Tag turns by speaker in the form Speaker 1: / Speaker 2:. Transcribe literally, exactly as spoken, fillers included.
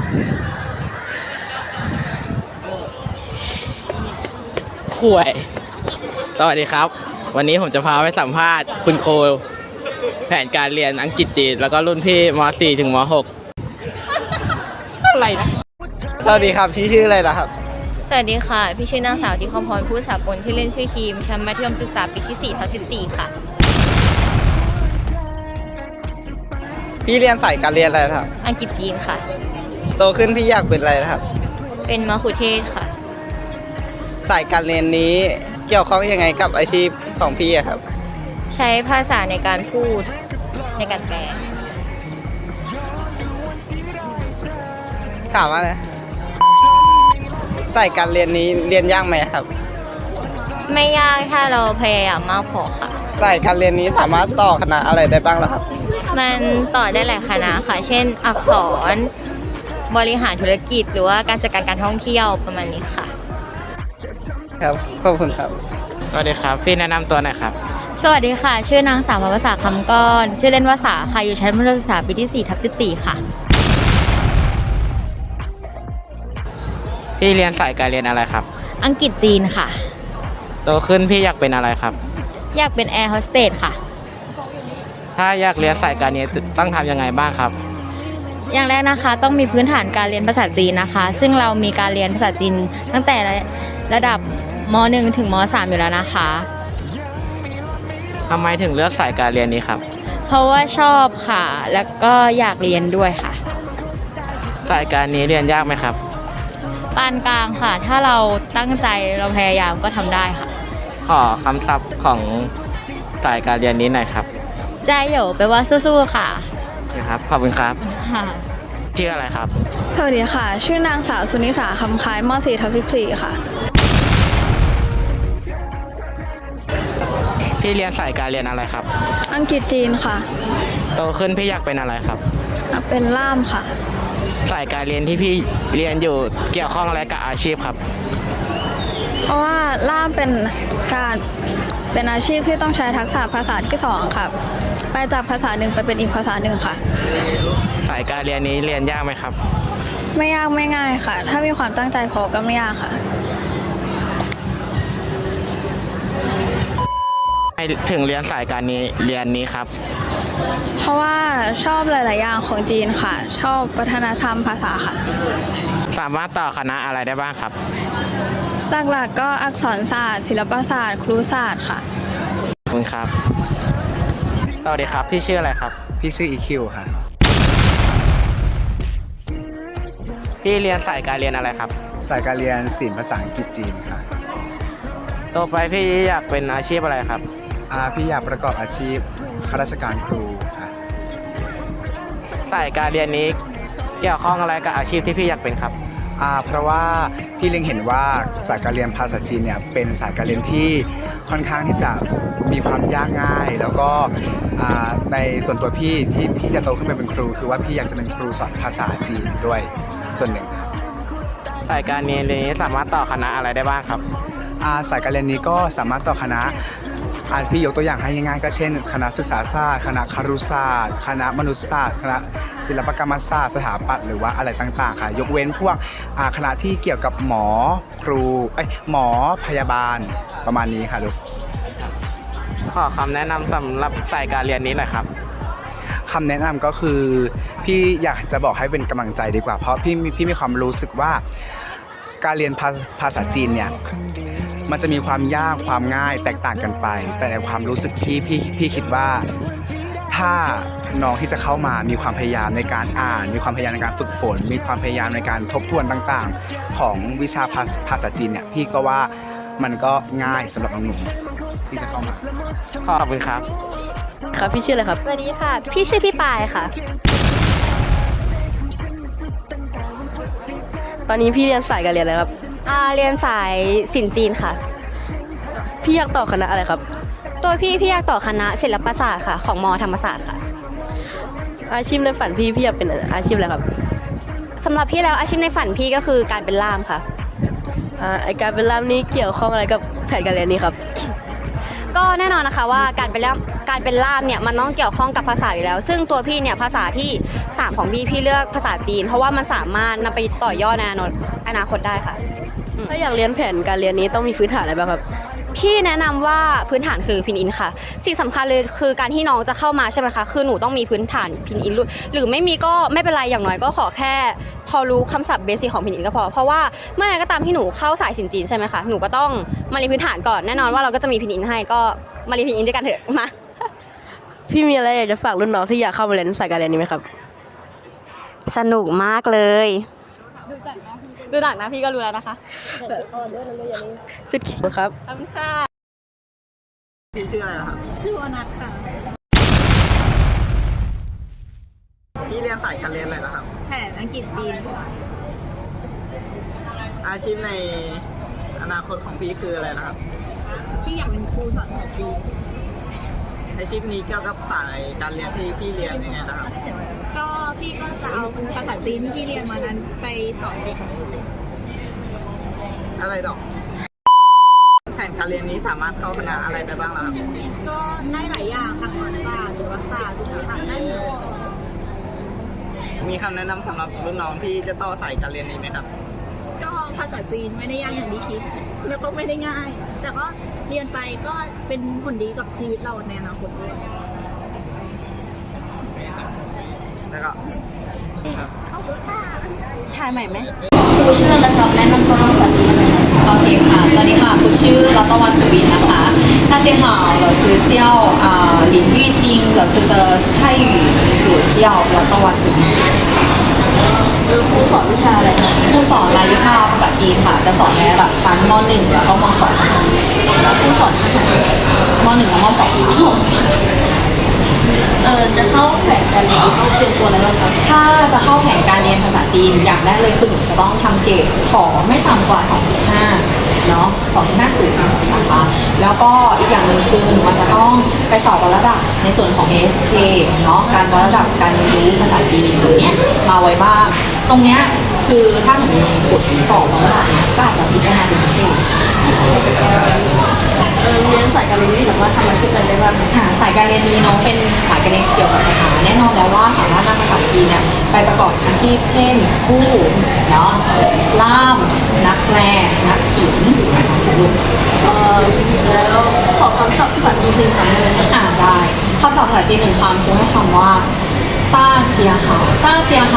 Speaker 1: ข่วยสวัสดีครับวันนี้ผมจะพาไปสัมภาษณ์คุณโคแผนการเรียนอังกฤษจีนแล้วก็รุ่นพี่ม .สี่ ถึงม .หก อะไรนะสวัสดีครับพี่ชื่ออะไรนะครับ
Speaker 2: สวัสดีค่ะพี่ชื่อนางสาวทิพพรผู้สากลที่เล่นชื่อครีมชั้นมัธยมศึกษาปีที่สี่ทับสิบสี่ค่ะ
Speaker 1: พี่เรียนสายการเรียนอะไรครับ
Speaker 2: อังกฤษจีนค่ะ
Speaker 1: โตขึ้นพี่อยากเป็นอะไรนะครับ
Speaker 2: เป็นมะคุเทศค่ะ
Speaker 1: สายการเรียนนี้เกี่ยวข้องยังไงกับอาชีพของพี่อะครับ
Speaker 2: ใช้ภาษาในการพูดในการแปล
Speaker 1: ถามว่านะสายการเรียนนี้เรียนยากไหมครับ
Speaker 2: ไม่ยากถ้าเราพยายามมากพอค่ะ
Speaker 1: สายการเรียนนี้สามารถต่อคณะอะไรได้บ้างล่ะครับ
Speaker 2: มันต่อได้หลายคณะค่ะเช่นอักษรบริหารธุรกิจหรือว่าการจัดการการท่องเที่ยวประมาณนี้ค่ะ
Speaker 1: ครับขอบคุณครับสวัสดีครับพี่แนะนำตัวหน่อยครับ
Speaker 2: สวัสดีค่ะชื่อนางสาวภาษาคำก้อนชื่อเล่นว่าสาค่ะอยู่ชั้นมัธยมศึกษาปีที่สี่ทับสิบสี่ค่ะ
Speaker 1: พี่เรียนสายการเรียนอะไรครับ
Speaker 2: อังกฤษจีนค่ะ
Speaker 1: โตขึ้นพี่อยากเป็นอะไรครับ
Speaker 2: อยากเป็นแอร์โฮสเตสค่ะ
Speaker 1: ถ้าอยากเรียนสายการนี้ต้องทำยังไงบ้างครับ
Speaker 2: อย่างแรกนะคะต้องมีพื้นฐานการเรียนภาษาจีนนะคะซึ่งเรามีการเรียนภาษาจีนตั้งแต่ระดับม .หนึ่ง ถึงม .สาม อยู่แล้วนะคะ
Speaker 1: ทำไมถึงเลือกสายการเรียนนี้ครับ
Speaker 2: เพราะว่าชอบค่ะแล้วก็อยากเรียนด้วยค่ะ
Speaker 1: สายการนี้เรียนยากไหมครับ
Speaker 2: ปานกลางค่ะถ้าเราตั้งใจเราพยายามก็ทำได้ค่ะ
Speaker 1: ขอคำศัพท์ของสายการเรียนนี้หน่อยครับ
Speaker 2: ใจเหยวแปลว่าสู้ๆค่ะ
Speaker 1: ครับขอบคุณครับชื่ออะไรครับ
Speaker 3: สวัสดีค่ะชื่อนางสาวสุนิสาคำคล้ายม .สี่ ทับสิบสี่ค่ะ
Speaker 1: พี่เรียนสายการเรียนอะไรครับ
Speaker 3: อังกฤษจีนค่ะ
Speaker 1: โตขึ้นพี่อยากเป็นอะไรครับ
Speaker 3: เป็นล่ามค่ะ
Speaker 1: สายการเรียนที่พี่เรียนอยู่เกี่ยวข้องอะไรกับอาชีพครับ
Speaker 3: เพราะว่าล่ามเป็นการเป็นอาชีพที่ต้องใช้ทักษะภาษาที่สองค่ะไปจากภาษาหนึ่งไปเป็นอีกภาษาหนึ่งค่ะ
Speaker 1: สายการเรียนนี้เรียนยากไหมครับ
Speaker 3: ไม่ยากไม่ง่ายค่ะถ้ามีความตั้งใจพอก็ไม่ยากค่ะ
Speaker 1: ถึงเรียนสายการนี้เรียนนี้ครับ
Speaker 3: เพราะว่าชอบหลาย ๆ อย่างของจีนค่ะชอบวัฒนธรรมภาษาค่ะ
Speaker 1: สามารถต่อคณะอะไรได้บ้างครับ
Speaker 3: หลัก ๆ ก็อักษรศาสตร์ศิลปศาสตร์ครุศาสตร์ค่ะ
Speaker 1: ขอบคุณครับสวัสดีครับพี่ชื่ออะไรครับ
Speaker 4: พี่ชื่อ อี คิว ค่ะ
Speaker 1: พี่เรียนสายการเรียนอะไรครับ
Speaker 4: สายการเรียนศิลป์ภาษาอังกฤษจีนค่ะ
Speaker 1: ต่อไปพี่อยากเป็นอาชีพอะไรครับ
Speaker 4: อ่าพี่อยากประกอบอาชีพข้าราชการครูค่ะ
Speaker 1: สายการเรียนนี้เกี่ยวข้องอะไรกับอาชีพที่พี่อยากเป็นครับ
Speaker 4: อ่าเพราะว่าพี่เล็งเห็นว่าสายการเรียนภาษาจีนเนี่ยเป็นสายการเรียนที่ค่อนข้างที่จะมีความยากง่ายแล้วก็อ่าในส่วนตัวพี่ที่พี่จะโตขึ้นไปเป็นครูคือว่าพี่อยากจะเป็นครูสอนภาษาจีนด้วยส่วนหนึ่ง
Speaker 1: สายการเรียนนี้สามารถต่อคณะอะไรได้บ้างครับ
Speaker 4: อาสายการเรียนนี้ก็สามารถต่อคณะอาพี่ยกตัวอย่างให้ง่ายๆก็เช่นคณะศึกษาศาสตร์คณะครุศาสตร์คณะมนุษยศาสตร์คณะศิลปกรรมศาสตร์สถาปัตย์หรือว่าอะไรต่างๆค่ะยกเว้นพวกคณะที่เกี่ยวกับหมอครูเอ้ยหมอพยาบาลประมาณนี้ค่ะลูก
Speaker 1: ขอคำแนะนำสำหรับสายการเรียนนี้หน่อยครับ
Speaker 4: คำแนะนำก็คือพี่อยากจะบอกให้เป็นกำลังใจดีกว่าเพราะพี่พี่มีความรู้สึกว่าการเรียนภาษาจีนเนี่ยมันจะมีความยากความง่ายแตกต่างกันไปแต่ในความรู้สึกที่พี่พี่คิดว่าถ้าน้องที่จะเข้ามามีความพยายามในการอ่านมีความพยายามในการฝึกฝนมีความพยายามในการทบทวนต่างๆของวิชาภาษาจีนเนี่ยพี่ก็ว่ามันก็ง่ายสำหรับน้องหนูที่จะเข้ามา
Speaker 1: ขอบคุณครับ
Speaker 2: ครับพี่ชื่ออะไรครับสวัสดีค่ะพี่ชื่อพี่ปายค่ะ
Speaker 5: ตอนนี้พี่เรียนสายการเรียนอะไรครับ
Speaker 2: อ่าเรียนสายศิลป์จีนค่ะ
Speaker 5: พี่อยากต่อคณะอะไรครับ
Speaker 2: ตัวพี่พี่อยากต่อคณะศิลปศาสตร์ค่ะของม.ธรรมศาสตร์ค่ะ
Speaker 5: อาชีพในฝันพี่พี่อยากเป็นอาชีพอะไรครับ
Speaker 2: สำหรับพี่แล้วอาชีพในฝันพี่ก็คือการเป็นล่ามค่ะ
Speaker 5: อ่าไอการเป็นล่ามนี้เกี่ยวข้องอะไรกับแผนการเรียนนี้ครับ
Speaker 6: ก็แน่นอนนะคะว่าการเป็นล่ามการเป็นล่ามเนี่ยมันต้องเกี่ยวข้องกับภาษาอยู่แล้ว ซึ่งตัวพี่เนี่ยภาษาที่สามของพี่พี่เลือกภาษาจีน เพราะว่ามันสามารถนำไปต่อยอดในอนาคตได้ค่ะ
Speaker 5: ถ้าอยากเรียนแผนการเรียนนี้ต้องมีพื้นฐานอะไรบ้างครับ
Speaker 6: พี่แนะนำว่าพื้นฐานคือพินอินค่ะ สิ่งสำคัญเลยคือการที่น้องจะเข้ามาใช่ไหมคะคือหนูต้องมีพื้นฐานพินอินหรือไม่มีก็ไม่เป็นไรอย่างน้อยก็ขอแค่ พอรู้คำศัพท์เบสิกของพินอินก็พอเพราะว่าเมื่อไหร่ก็ตามที่หนูเข้าสายสินจีนใช่ไหมคะหนูก็ต้องมาเรียนพื้นฐานก่อนแน่นอนว่าเราก็จะมีพินอินให้ก็มาเรียนพินอินด้วยกันเถอะมา
Speaker 5: พี่มีอะไรอยากจะฝากรุ่นน้องที่อยากเข้ามาเรียนสายการเรียนนี้ไหมครับ
Speaker 6: สนุกมากเลยดูหนักนะพี่ก็รู้แล้วนะคะ
Speaker 5: สุดขิงครับ
Speaker 6: ขอบคุณค่ะ
Speaker 1: พี่ชื่ออะไรครับ
Speaker 2: ชื่อวนัทค่ะ
Speaker 1: พี่เรียนสายการเรียนอะไรนะครับ
Speaker 2: แผนอังกฤษจีน
Speaker 1: อาชีพในอนาคตของพี่คืออะไรนะครับ
Speaker 2: พี่อยากเป็นครูสอนภาษาจีน
Speaker 1: อาชีพนี้เกี่ยวกับสายการเรียนที่พี่เรียนยังไงนะครับ
Speaker 2: ก็พี่ก็จะเอาภาษาจีนที่เรียนมานั้นไปสอนเด็ก
Speaker 1: อะไรดอกแผนการเรียนนี้สามารถเข้าคณะอะไรได้บ้างล่ะครับ
Speaker 2: ก็ได้หลายอย่างอักษรศาสตร์ศิลปศาสตร์ศึกษาศาสตร์ได้หมด
Speaker 1: มีคำแนะนำสำหรับรุ่นน้องที่จะต่อสายการเรียนนี้ไหมครับ
Speaker 2: ก็ภาษาจีนไม่ได้ยากอย่างที่คิด แล้วก็ไม่ได้ง่าย แต่ก็เรียนไปก็เป็นผลดีกับชีวิตเราในอนาคตด้วย
Speaker 1: แล้วก็
Speaker 6: ถ่ายใหม่ไหม
Speaker 2: ครูชื่อและครับแนะนำตัวภาษาจีนโอเคค่ะ สวัสดีค่ะครูชื่อรัตวันสุวินนะคะ大家好老师叫啊林玉兴老师的泰语名字叫รัตวันสุวินครูสอนวิชาอะไรครูสอนรายวิชาภาษาจีนค่ะ จะสอนในระดับชั้นม .หนึ่ง แล้วก็ม .สอง แล้วครูสอนชั้นไหนม .หนึ่ง และม .สอง เออจะเข้าแผนการเรียนต้องเตรียมตัวอะไรบ้างคะถ้าจะเข้าแผนการเรียนภาษาจีนอย่างแรกเลยคือหนูจะต้องทำเกรดขอไม่ต่ำกว่า สองจุดห้า เนาะ สองจุดห้า ศูนย์นะคะ แล้วก็อีกอย่างหนึ่งคือหนูอาจจะต้องไปสอบวัดระดับในส่วนของ เอ เอส เค เนาะ การวัดระดับการเรียนรู้ภาษาจีนตรงเนี้ยมาไว้บ้าง ตรงเนี้ยคือถ้าหนูมีบทสอบวัดระดับเนี้ยก็อาจจะพิจารณาเป็นพิเศษ เรียนสายการเรียนนี้สามารถทำอาชีพอะไรได้บ้างค่ะสายการเรียนนี้เนาะเป็นสายการเรียนเกี่ยวกับภาษาแน่นอนแล้วว่าสามารถนำภาษาจีนเนี่ยไปประกอบอาชีพเช่นผู้เนาะล่ามนักแปลนักเขียนแล้วขอคำศัพท์ภาษาจีนหนึ่งคำเลยอ่าได้คำศัพท์ภาษาจีนหนึ่งคำคือให้คำว่าต้าเจียหาต้าเจีย